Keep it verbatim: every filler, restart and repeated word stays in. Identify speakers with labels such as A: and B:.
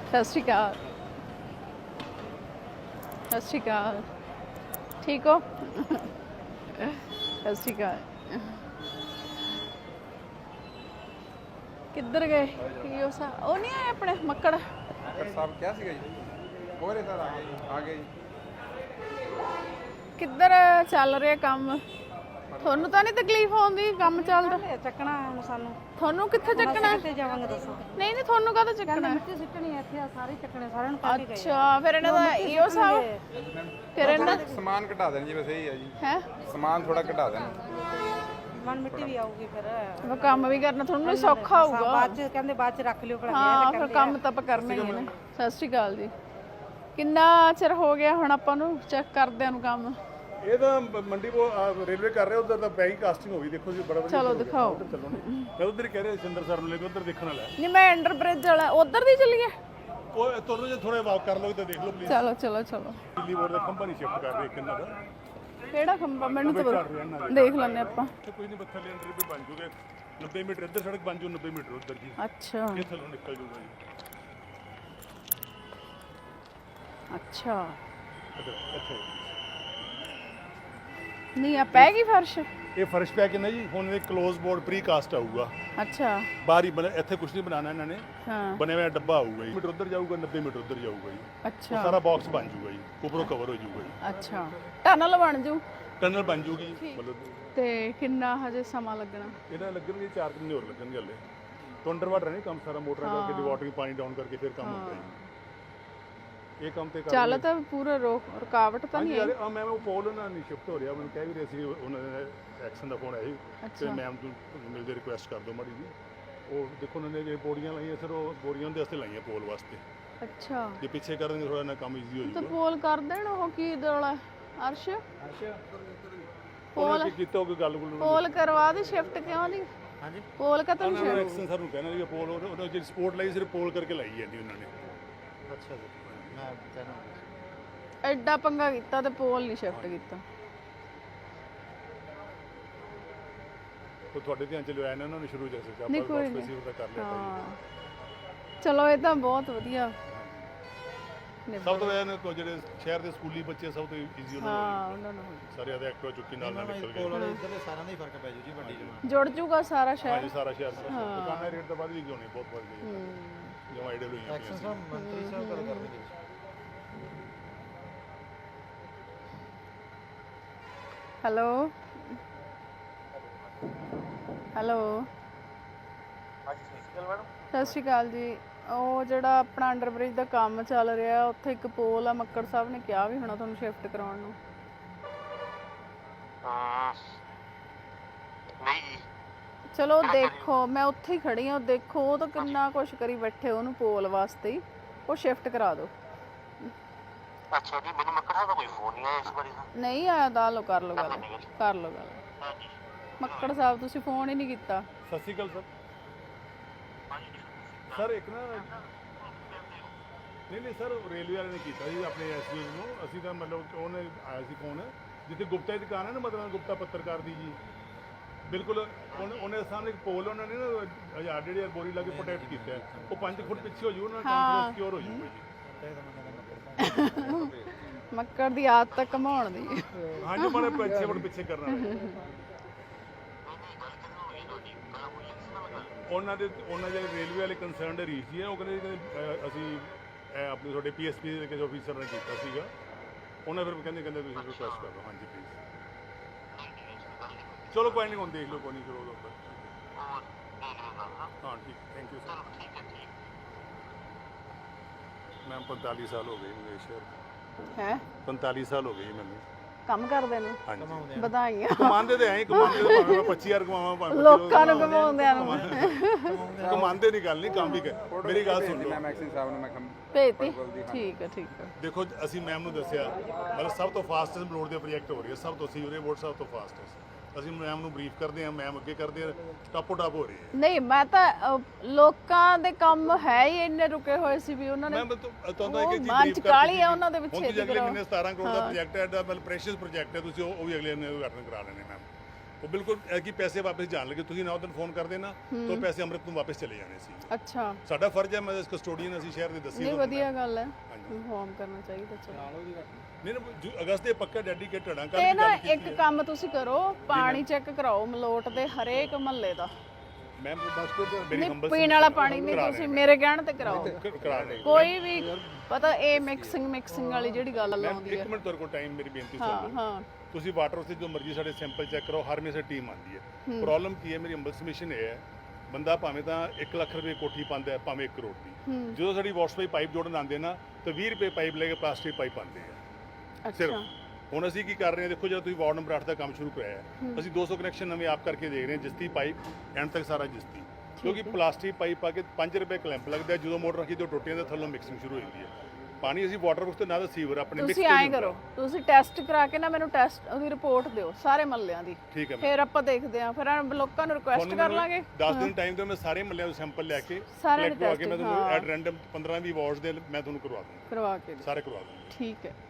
A: ਸਤਿ ਸ਼੍ਰੀ ਅਕਾਲ। ਸਤਿ ਸ਼੍ਰੀ ਅਕਾਲ। ਠੀਕ ਹੋ? ਸਤਿ ਸ਼੍ਰੀ ਅਕਾਲ। ਕਿੱਧਰ ਗਏ? ਕੀ ਉਹ ਸਾ ਉਹ ਨਹੀਂ ਆਏ ਆਪਣੇ ਮੱਕੜ?
B: ਮੱਕੜ ਸਾਹਿਬ ਕਿਹਾ ਸੀਗਾ ਜੀ। ਹੋਰੇ ਸਰ ਆ ਗਏ ਜੀ, ਆ ਗਏ ਜੀ।
A: ਕਿੱਧਰ ਚੱਲ ਰਿਹਾ ਕੰਮ? ਤੁਹਾਨੂੰ ਤਾਂ ਨਹੀਂ ਤਕਲੀਫ ਆਉਂਦੀ? ਕੰਮ ਚੱਲਦਾ
C: ਚੱਕਣਾ ਹੁਣ ਸਾਨੂੰ।
A: ਤੁਹਾਨੂੰ ਕਿੱਥੇ ਚੱਕਣਾ?
C: ਕਿੱਥੇ ਜਾਵਾਂਗੇ ਦੱਸੋ?
A: ਨਹੀਂ ਨਹੀਂ ਤੁਹਾਨੂੰ ਕਾਹਦਾ ਚੱਕਣਾ?
C: ਮਿੱਟੀ ਸਿੱਟਣੀ ਹੈ ਇੱਥੇ, ਸਾਰੇ ਚੱਕਣੇ ਸਾਰਿਆਂ ਨੂੰ ਕੱਢ ਕੇ ਗਏ।
A: ਅੱਛਾ ਫਿਰ ਇਹਨਾਂ ਦਾ ਇਹੋ ਹਿਸਾਬ। ਫਿਰ ਇਹਨਾਂ
B: ਸਮਾਨ ਘਟਾ ਦੇਣ ਜੀ, ਬਸ ਇਹੀ ਹੈ ਜੀ।
A: ਹੈ
B: ਸਮਾਨ ਥੋੜਾ ਘਟਾ ਦੇਣ।
C: ਮਨ ਮਿੱਟੀ ਵੀ ਆਊਗੀ ਫਿਰ।
A: ਉਹ ਕੰਮ ਵੀ ਕਰਨਾ ਤੁਹਾਨੂੰ ਸੌਖਾ ਹੋਊਗਾ।
C: ਬਾਅਦ ਚ ਕਹਿੰਦੇ ਬਾਅਦ ਚ ਰੱਖ ਲਿਓ ਭਲਾ।
A: ਹਾਂ ਫਿਰ ਕੰਮ ਤਾਂ ਆਪਾਂ ਕਰਨਾ ਹੀ ਹੈ ਨਾ। ਸਤਿ ਸ਼੍ਰੀ ਅਕਾਲ ਜੀ। ਕਿੰਨਾ ਚਿਰ ਹੋ ਗਿਆ ਹੁਣ ਆਪਾਂ ਨੂੰ ਚੈੱਕ ਕਰਦਿਆਂ ਨੂੰ ਕੰਮ?
D: ਇਹ ਤਾਂ ਮੰਡੀ ਕੋ ਰੇਲਵੇ ਕਰ ਰਿਹਾ, ਉਧਰ ਤਾਂ ਬੈਂਕ ਕਾਸਟਿੰਗ ਹੋ ਗਈ। ਦੇਖੋ ਜੀ ਬੜਾ ਵਧੀਆ।
A: ਚਲੋ ਦਿਖਾਓ।
D: ਚਲੋ ਮੈਂ ਉਧਰ ਹੀ ਕਹਿ ਰਿਹਾ ਸਿੰਦਰ ਸਰ ਨੂੰ ਲੈ ਕੇ ਉਧਰ ਦੇਖਣ ਵਾਲਾ।
A: ਨਹੀਂ ਮੈਂ ਅੰਡਰ ਬ੍ਰਿਜ ਵਾਲਾ ਉਧਰ ਦੀ ਚੱਲੀਏ।
D: ਉਹ ਤੁਹਾਨੂੰ ਜੇ ਥੋੜਾ ਵਾਕ ਕਰ ਲਓ ਤਾਂ ਦੇਖ ਲਓ ਪਲੀਜ਼।
A: ਚਲੋ ਚਲੋ ਚਲੋ।
D: ਦਿੱਲੀ ਬੋਰਡ ਦਾ ਖੰਭਾ ਨਹੀਂ ਸ਼ਿਫਟ ਕਰ ਰਹੇ ਕਿੰਨਾ ਦਾ।
A: ਕਿਹੜਾ ਖੰਭਾ? ਮੈਨੂੰ ਤਾਂ ਦੇਖ ਲੈਣੇ ਆਪਾਂ।
D: ਕੋਈ ਨਹੀਂ ਬੱਥਾ ਲੈ ਅੰਦਰ ਵੀ ਬਣ ਜੂਗੇ। ਨੱਬੇ ਮੀਟਰ ਇੱਧਰ ਸੜਕ ਬਣ ਜੂ, ਨੱਬੇ ਮੀਟਰ ਉੱਧਰ ਜੀ।
A: ਅੱਛਾ
D: ਇਹ ਥੱਲੋਂ ਨਿਕਲ ਜੂਗਾ ਜੀ।
A: ਅੱਛਾ
D: ਇੱਧਰ ਇੱਥੇ
A: ਨਹੀਂ ਆ ਪੈ ਗਈ ਫਰਸ਼?
D: ਇਹ ਫਰਸ਼ ਪਿਆ ਕਿੰਨਾ ਜੀ। ਹੁਣ ਇਹ ਕਲੋਜ਼ ਬੋਰਡ ਪ੍ਰੀ ਕਾਸਟ ਆਊਗਾ।
A: ਅੱਛਾ
D: ਬਾਹਰ ਹੀ ਬਣੇ, ਇੱਥੇ ਕੁਝ ਨਹੀਂ ਬਣਾਉਣਾ ਇਹਨਾਂ ਨੇ।
A: ਹਾਂ
D: ਬਣਿਆ ਹੋਇਆ ਡੱਬਾ ਆਊਗਾ ਜੀ। ਮੀਟਰ ਉੱਧਰ ਜਾਊਗਾ, ਨੱਬੇ ਮੀਟਰ ਉੱਧਰ ਜਾਊਗਾ ਜੀ।
A: ਅੱਛਾ
D: ਸਾਰਾ ਬਾਕਸ ਬਣ ਜੂਗਾ ਜੀ, ਉੱਪਰੋਂ ਕਵਰ ਹੋ ਜੂਗਾ ਜੀ।
A: ਅੱਛਾ ਟਨਲ ਬਣ ਜੂ।
D: ਟਨਲ ਬਣ ਜੂਗੀ ਮਤਲਬ।
A: ਤੇ ਕਿੰਨਾ ਹਜੇ ਸਮਾਂ ਲੱਗਣਾ?
D: ਇਹਨਾਂ ਲੱਗਣਗੇ ਚਾਰ ਮਹੀਨੇ ਹੋਰ ਲੱਗਣਗੇ ਹਲੇ। ਤੋਂ ਅੰਡਰ ਵਾਟਰ ਨਹੀਂ ਕੰਮ ਸਾਰਾ, ਮੋਟਰਾਂ ਕਰਕੇ ਡਿਵਾਟਰਿੰਗ ਪਾਣੀ ਡਾਊਨ ਕਰਕੇ ਫਿਰ ਕੰਮ ਹੁੰਦਾ ਜੀ। ਇਹ ਕੰਮ ਤੇ
A: ਚੱਲ ਤਾਂ ਪੂਰਾ ਰੋਕ ਰੁਕਾਵਟ ਤਾਂ ਨਹੀਂ
D: ਯਾਰ ਆ ਮੈਂ ਉਹ ਪੋਲ ਉਹਨਾਂ ਨਹੀਂ ਸ਼ਿਫਟ ਹੋ ਰਿਹਾ। ਮੈਨੂੰ ਕਹਿ ਵੀ ਰਹੇ ਸੀ ਉਹਨਾਂ ਦੇ ਐਕਸ਼ਨ ਦਾ ਫੋਨ ਆਇਆ ਸੀ ਤੇ ਮੈਮ ਨੂੰ ਮਿਲਦੇ ਰਿਕੁਐਸਟ ਕਰ ਦਿਓ ਮਾੜੀ ਜੀ। ਉਹ ਦੇਖੋ ਉਹਨਾਂ ਨੇ ਜੇ ਬੋਰੀਆਂ ਲਾਈਆਂ ਸਰ, ਉਹ ਬੋਰੀਆਂ ਦੇ ਵਾਸਤੇ ਲਾਈਆਂ ਪੋਲ ਵਾਸਤੇ।
A: ਅੱਛਾ
D: ਜੇ ਪਿੱਛੇ ਕਰ ਦੇਣਗੇ ਥੋੜਾ ਨਾ ਕੰਮ ਈਜ਼ੀ ਹੋ
A: ਤਾਂ
D: ਜਾਊਗਾ।
A: ਪੋਲ ਕਰ ਦੇਣ। ਉਹ ਕੀ ਦੋਲਾ ਅਰਸ਼
D: ਪੋਲ ਕੀਤਾ ਕੋਈ ਗੱਲ ਗੁੱਲ
A: ਪੋਲ ਕਰਵਾ ਦੇ ਸ਼ਿਫਟ ਕਿਉਂ ਨਹੀਂ?
D: ਹਾਂਜੀ
A: ਪੋਲ ਕਾ ਤਾਂ
D: ਉਹਨਾਂ ਨੇ ਐਕਸ਼ਨ ਸਰ ਨੂੰ ਕਹਿਣਾ ਵੀ ਪੋਲ ਉਹਨਾਂ ਜਿਹੜੀ ਸਪੋਰਟ ਲਾਈ ਸਿਰ ਪੋਲ ਕਰਕੇ ਲਾਈ ਜਾਂਦੀ ਉਹਨਾਂ ਨੇ।
E: ਅੱਛਾ ਜੀ ਮੈਂ ਕਹਿਣਾ
A: ਐਡਾ ਪੰਗਾ ਕੀਤਾ ਤੇ ਪੋਲ ਨਹੀਂ ਸ਼ਿਫਟ ਕੀਤਾ।
D: ਉਹ ਤੁਹਾਡੇ ਧਿਆਨ ਚ ਲਿਆਇਆ ਨਾ ਉਹਨਾਂ ਨੇ ਸ਼ੁਰੂ ਜੈਸੇ ਆਪਾਂ
A: ਨਹੀਂ ਕੋਈ
D: ਬਸ ਦਾ ਕਰ ਲਿਆ
A: ਹਾਂ ਚਲੋ ਇਹ ਤਾਂ ਬਹੁਤ ਵਧੀਆ।
D: ਸਭ ਤੋਂ ਵਧੀਆ ਨੇ ਜਿਹੜੇ ਸ਼ਹਿਰ ਦੇ ਸਕੂਲੀ ਬੱਚੇ ਸਭ ਤੋਂ ਈਜ਼ੀ ਉਹਨਾਂ
A: ਹਾਂ ਉਹਨਾਂ ਨੂੰ
D: ਨੂੰ ਸਾਰੇ ਆਦੇ ਐਕਟਿਵਾ ਚੁੱਕੀ ਨਾਲ ਨਾਲ ਨਿਕਲ ਗਏ।
E: ਕੋਲ ਵਾਲੇ ਇੱਧਰ ਦੇ ਸਾਰਿਆਂ ਦਾ ਹੀ ਫਰਕ ਪੈ ਜੂ ਜੀ ਵੱਡੀ ਜਮਾ।
A: ਜੁੜ ਜੂਗਾ ਸਾਰਾ ਸ਼ਹਿਰ।
D: ਹਾਂਜੀ ਸਾਰਾ ਸ਼ਹਿਰ ਦੁਕਾਨਾਂ ਰੇਟ ਤਾਂ ਵੱਧ ਵੀ ਕਿਉਂ ਨਹੀਂ, ਬਹੁਤ ਵੱਧ ਗਈ ਜਿਵੇਂ ਆਈਡੀਅਲ ਹੋਈ
E: ਐਕਸ਼ਨ ਸਾਹਿਬ ਮੰਤਰੀ ਸਾਹਿਬ ਗੱਲ ਕਰਨਗੇ।
A: ਹੈਲੋ ਹੈਲੋ ਸਤਿ ਸ਼੍ਰੀ ਅਕਾਲ ਜੀ। ਉਹ ਜਿਹੜਾ ਆਪਣਾ ਅੰਡਰ ਬ੍ਰਿਜ ਦਾ ਕੰਮ ਚੱਲ ਰਿਹਾ ਉੱਥੇ ਇੱਕ ਪੋਲ ਆ, ਮੱਕੜ ਸਾਹਿਬ ਨੇ ਕਿਹਾ ਵੀ ਹੋਣਾ ਤੁਹਾਨੂੰ ਸ਼ਿਫਟ ਕਰਾਉਣ ਨੂੰ। ਚਲੋ ਦੇਖੋ ਮੈਂ ਉੱਥੇ ਹੀ ਖੜੀ ਹਾਂ, ਦੇਖੋ ਉਹ ਤਾਂ ਕਿੰਨਾ ਕੁਛ ਕਰੀ ਬੈਠੇ ਉਹਨੂੰ ਪੋਲ ਵਾਸਤੇ ਹੀ। ਉਹ ਸ਼ਿਫਟ ਕਰਾ ਦਿਓ।
F: ਅੱਛਾ ਜੀ ਮੈਨੂੰ ਮੱਕੜ ਸਾਹਿਬ ਦਾ ਕੋਈ ਫੋਨ ਨਹੀਂ ਆਇਆ ਇਸ ਬਾਰੇ ਦਾ।
A: ਨਹੀਂ ਆਇਆ ਤਾਂ ਲਓ ਕਰ ਲਓ ਗੱਲ ਕਰ ਲਓ ਗੱਲ। ਮੱਕੜ ਸਾਹਿਬ ਤੁਸੀਂ ਫੋਨ ਹੀ ਨਹੀਂ ਕੀਤਾ।
D: ਸਤਿ ਸ਼੍ਰੀ ਅਕਾਲ ਸਰ। ਸਰ ਇੱਕ ਨਾ ਨਹੀਂ ਨਹੀਂ ਸਰ ਰੇਲਵੇ ਵਾਲੇ ਨੇ ਕੀਤਾ ਜੀ ਆਪਣੇ ਐਸਪੀ ਨੂੰ। ਅਸੀਂ ਤਾਂ ਮਤਲਬ ਉਹਨੇ ਆਇਆ ਸੀ ਫੋਨ ਜਿੱਥੇ ਗੁਪਤਾ ਦੀ ਦੁਕਾਨ ਹੈ ਨਾ, ਮਤਲਬ ਗੁਪਤਾ ਪੱਤਰਕਾਰ ਦੀ ਜੀ ਬਿਲਕੁਲ। ਉਹਨੇ ਸਾਹਮਣੇ ਇੱਕ ਪੋਲ ਉਹਨਾਂ ਨੇ ਨਾ ਹਜ਼ਾਰ ਡੇਢ ਹਜ਼ਾਰ ਬੋਰੀ ਲਾ ਕੇ ਪ੍ਰੋਟੈਕਟ ਕੀਤਾ। ਉਹ ਪੰਜ ਫੁੱਟ ਪਿੱਛੇ ਹੋ ਜੂ, ਉਹਨਾਂ ਦਾ ਕੰਮ ਸਿਕਿਉਰ ਹੋ ਜੂਗਾ ਜੀ।
A: ਮੱਕੜ ਦੀ ਆਦਤ ਤਾਂ ਘਮਾਉਣ ਦੀ।
D: ਹਾਂਜੀ ਮਾੜੇ ਪਿੱਛੇ ਫੁੱਟ ਪਿੱਛੇ ਕਰਨਾ ਉਹਨਾਂ ਦੇ। ਉਹਨਾਂ ਜਿਹੜੇ ਰੇਲਵੇ ਵਾਲੇ ਕੰਸਰਨਡ ਰੀਚ ਜੀ ਹੈ, ਉਹ ਕਹਿੰਦੇ ਅਸੀਂ ਆਪਣੇ ਤੁਹਾਡੇ ਪੀ ਐਸ ਪੀ ਦੇ ਕਿਸੇ ਆਫੀਸਰ ਨੇ ਕੀਤਾ ਸੀਗਾ। ਉਹਨਾਂ ਫਿਰ ਕਹਿੰਦੇ ਕਹਿੰਦੇ ਤੁਸੀਂ ਰਿਕੁਐਸਟ ਕਰ ਲਓ। ਹਾਂਜੀ ਪਲੀਜ਼। ਚਲੋ ਕੋਈ ਨਹੀਂ, ਹੁਣ ਦੇਖ ਲਓ ਕੋਈ ਨਹੀਂ ਕਰੋ ਉੱਪਰ। ਹਾਂ ਠੀਕ, ਥੈਂਕ ਯੂ ਸਰ। ਮੈਮ ਪੰਤਾਲੀ ਸਾਲ ਹੋ ਗਏ ਮੇਰੇ ਸ਼ਹਿਰ।
A: ਹੈ
D: ਪੰਤਾਲੀ ਸਾਲ ਹੋ ਗਏ ਮੈਨੂੰ
A: ਕੰਮ ਕਰਦੇ ਨੂੰ।
D: ਹਾਂਜੀ
A: ਵਧਾਈਆਂ।
D: ਕਮਾਉਂਦੇ ਤੇ ਐਂ ਕਮਾਉਂਦੇ ਤੇ ਭਾਵੇਂ ਮੈਂ ਪੱਚੀ ਹਜ਼ਾਰ ਕਮਾਵਾਂ ਭਾਵੇਂ
A: ਲੋਕਾਂ ਨੂੰ ਘਮਾਉਂਦਿਆਂ ਨੂੰ।
D: ਕਮਾਉਂਦੇ ਨਹੀਂ ਗੱਲ ਨਹੀਂ, ਕੰਮ ਵੀ ਕਰ। ਮੇਰੀ ਗੱਲ ਸੁਣ ਲਓ।
B: ਮੈਂ ਐਕਸ਼ਨ ਸਾਹਿਬ ਨੂੰ ਮੈਂ ਕੰਮ
A: ਭੇਜਤੀ। ਠੀਕ ਹੈ ਠੀਕ ਹੈ।
D: ਦੇਖੋ ਅਸੀਂ ਮੈਮ ਨੂੰ ਦੱਸਿਆ ਮਤਲਬ ਸਭ ਤੋਂ ਫਾਸਟੈਸਟ ਰੋਡ ਦੇ ਪ੍ਰੋਜੈਕਟ ਹੋ ਰਹੀ ਹੈ, ਸਭ ਤੋਂ ਸੀਵਰੇਜ ਬੋਰਡ ਸਭ ਤੋਂ ਫਾਸਟੈਸਟ। ਅਸੀਂ ਮੈਮ ਨੂੰ ਬਰੀਫ ਕਰਦੇ ਹਾਂ, ਮੈਮ ਅੱਗੇ ਕਰਦੇ ਆ, ਟਾਪੋ ਟਾਪ ਹੋ ਰਹੀ ਹੈ।
A: ਨਹੀਂ ਮੈਂ ਤਾਂ ਅਹ, ਲੋਕਾਂ ਦੇ ਕੰਮ ਹੈ ਹੀ ਇੰਨੇ ਰੁਕੇ ਹੋਏ ਸੀ ਵੀ ਉਹਨਾਂ ਨੇ।
D: ਮੈਂ ਤੁਹਾਨੂੰ ਇੱਕ ਚੀਜ਼
A: ਮਨ ਚ ਕਾਹਲੀ ਹੈ ਉਹਨਾਂ ਦੇ ਪਿੱਛੇ।
D: ਅਗਲੇ ਮਹੀਨੇ ਸਤਾਰਾਂ ਕਰੋੜ ਦਾ ਪ੍ਰੋਜੈਕਟ ਹੈ, ਮਤਲਬ ਪ੍ਰੈਸ਼ੀਅਸ ਪ੍ਰੋਜੈਕਟ ਹੈ, ਤੁਸੀਂ ਉਹ ਵੀ ਅਗਲੇ ਮਹੀਨੇ ਉਦਘਾਟਨ ਕਰਾ ਲੈਣੇ ਮੈਮ। ਉਹ ਬਿਲਕੁਲ ਇਹ ਕਿ ਪੈਸੇ ਵਾਪਸ ਜਾਣ ਲੱਗੇ, ਤੁਸੀਂ ਨਾ ਉਦੋਂ ਫੋਨ ਕਰ ਦੇਣਾ ਤਾਂ ਪੈਸੇ ਅੰਮ੍ਰਿਤ ਨੂੰ ਵਾਪਸ ਚਲੇ ਜਾਣੇ ਸੀ।
A: ਅੱਛਾ
D: ਸਾਡਾ ਫਰਜ਼ ਹੈ, ਮੈਂ ਕਸਟੋਡੀਅਨ ਅਸੀਂ ਸ਼ਹਿਰ ਦੇ ਦੱਸੀ
A: ਨਹੀਂ ਵਧੀਆ ਗੱਲ ਹੈ, ਇਨਫੋਰਮ ਕਰਨਾ ਚਾਹੀਦਾ। ਚਲੋ
D: ਨਹੀਂ ਨਾ ਜੋ ਅਗਸਤ ਦੇ ਪੱਕਾ ਡੈਡੀਕੇਟਡ ਆ।
A: ਤੇ ਨਾ ਇੱਕ ਕੰਮ ਤੁਸੀਂ ਕਰੋ, ਪਾਣੀ ਚੈੱਕ ਕਰਾਓ ਮਲੋਟ ਦੇ ਹਰੇਕ ਮਹੱਲੇ ਦਾ।
D: ਮੈਂ ਬਸ ਕੋਈ ਮੇਰੀ
A: ਨਹੀਂ
D: ਹੰਬਲ
A: ਪੀਣ ਵਾਲਾ ਪਾਣੀ ਨਹੀਂ, ਤੁਸੀਂ ਮੇਰੇ ਕਹਿਣ ਤੇ ਕਰਾਓ।
D: ਕਰਾ ਰਹੇ
A: ਕੋਈ ਵੀ ਪਤਾ ਇਹ ਮਿਕਸਿੰਗ ਮਿਕਸਿੰਗ ਵਾਲੀ ਜਿਹੜੀ ਗੱਲ ਆਉਂਦੀ ਹੈ।
D: ਇੱਕ ਮਿੰਟ ਤੁਹਾਡੇ ਕੋਲ ਟਾਈਮ, ਮੇਰੀ ਬੇਨਤੀ
A: ਹਾਂ
D: ਸੁਣ ਲਓ।
A: ਹਾਂ
D: ਤੁਸੀਂ ਵਾਟਰ ਉੱਤੇ ਜੋ ਮਰਜ਼ੀ ਸਾਡੇ ਸੈਂਪਲ ਚੈੱਕ ਕਰੋ, ਹਰ ਮੇ ਸੇ ਟੀਮ ਆਉਂਦੀ ਹੈ। ਪ੍ਰੋਬਲਮ ਕੀ ਹੈ, ਮੇਰੀ ਹੰਬਲ ਸਬਮਿਸ਼ਨ ਇਹ ਹੈ, ਬੰਦਾ ਭਾਵੇਂ ਤਾਂ ਇੱਕ ਲੱਖ ਰੁਪਏ ਕੋਠੀ ਪਾਉਂਦਾ ਹੈ, ਭਾਵੇਂ ਇੱਕ ਕਰੋੜ ਦੀ, ਜਦੋਂ ਸਾਡੀ ਵਾਸ਼ ਪਾਈਪ ਪਾਈਪ ਜੋੜਨ ਆਉਂਦੇ ਨਾ ਤਾਂ ਵੀਹ ਰੁਪਏ ਪਾਈਪ ਲੈ ਕੇ ਪਲਾਸਟਿਕ ਪਾਈਪ ਆਉਂਦੇ ਆ ਸਿਰਫ। ਹੁਣ ਅਸੀਂ ਕੀ ਕਰ ਰਹੇ ਹਾਂ, ਦੇਖੋ ਜਦੋਂ ਤੁਸੀਂ ਵਾਰਡ ਨੰਬਰ ਅੱਠ ਦਾ ਕੰਮ ਸ਼ੁਰੂ ਕਰਾਇਆ ਹੈ, ਅਸੀਂ ਦੋ ਸੌ ਕਨੈਕਸ਼ਨ ਨਵੇਂ ਆਪ ਕਰਕੇ ਦੇਖ ਰਹੇ ਹਾਂ, ਜਿਸਤੀ ਪਾਈਪ ਐਂਡ ਤੱਕ ਸਾਰਾ ਜਿਸਤੀ, ਕਿਉਂਕਿ ਪਲਾਸਟਿਕ ਪਾਈਪ ਪਾ ਕੇ ਪੰਜ ਰੁਪਏ ਕਲੈਂਪ ਲੱਗਦਾ, ਜਦੋਂ ਮੋਟਰ ਰੱਖੀ ਤੇ ਟੁੱਟੀਆਂ ਦੇ ਥੱਲੋਂ ਮਿਕਸਿੰਗ ਸ਼ੁਰੂ ਹੋ ਜਾਂਦੀ ਹੈ। ਪਾਣੀ ਅਸੀਂ ਵਾਟਰ ਵਰਕਸ ਤੇ ਨਾ ਤਾਂ ਸੀਵਰ ਆਪਣੇ
A: ਤੁਸੀਂ ਐਂ ਕਰੋ, ਤੁਸੀਂ ਟੈਸਟ ਕਰਾ ਕੇ ਨਾ ਮੈਨੂੰ ਟੈਸਟ ਉਹਦੀ ਰਿਪੋਰਟ ਦਿਓ ਸਾਰੇ ਮਹੱਲਿਆਂ ਦੀ,
D: ਠੀਕ ਹੈ।
A: ਫਿਰ ਆਪਾਂ ਦੇਖਦੇ ਆਂ, ਫਿਰ ਲੋਕਾਂ ਨੂੰ ਰਿਕੁਐਸਟ ਕਰ ਲਾਂਗੇ।
D: ਦਸ ਦਿਨ ਟਾਈਮ ਦਿਓ, ਮੈਂ ਸਾਰੇ ਮਹੱਲਿਆਂ ਤੋਂ ਸੈਂਪਲ ਲੈ ਕੇ
A: ਸਾਰੇ
D: collect ਕਰਵਾ ਕੇ ਮੈਂ ਤੁਹਾਨੂੰ ਐਟ ਰੈਂਡਮ ਪੰਦਰਾਂ ਵੀਹ ਵਾਰਡਸ ਦੇ ਮੈਂ ਤੁਹਾਨੂੰ ਕਰਵਾ ਦੂੰਗਾ,
A: ਕਰਵਾ ਕੇ
D: ਸਾਰੇ ਕਰਵਾ ਦੂੰਗਾ।
A: ਠੀਕ ਹੈ।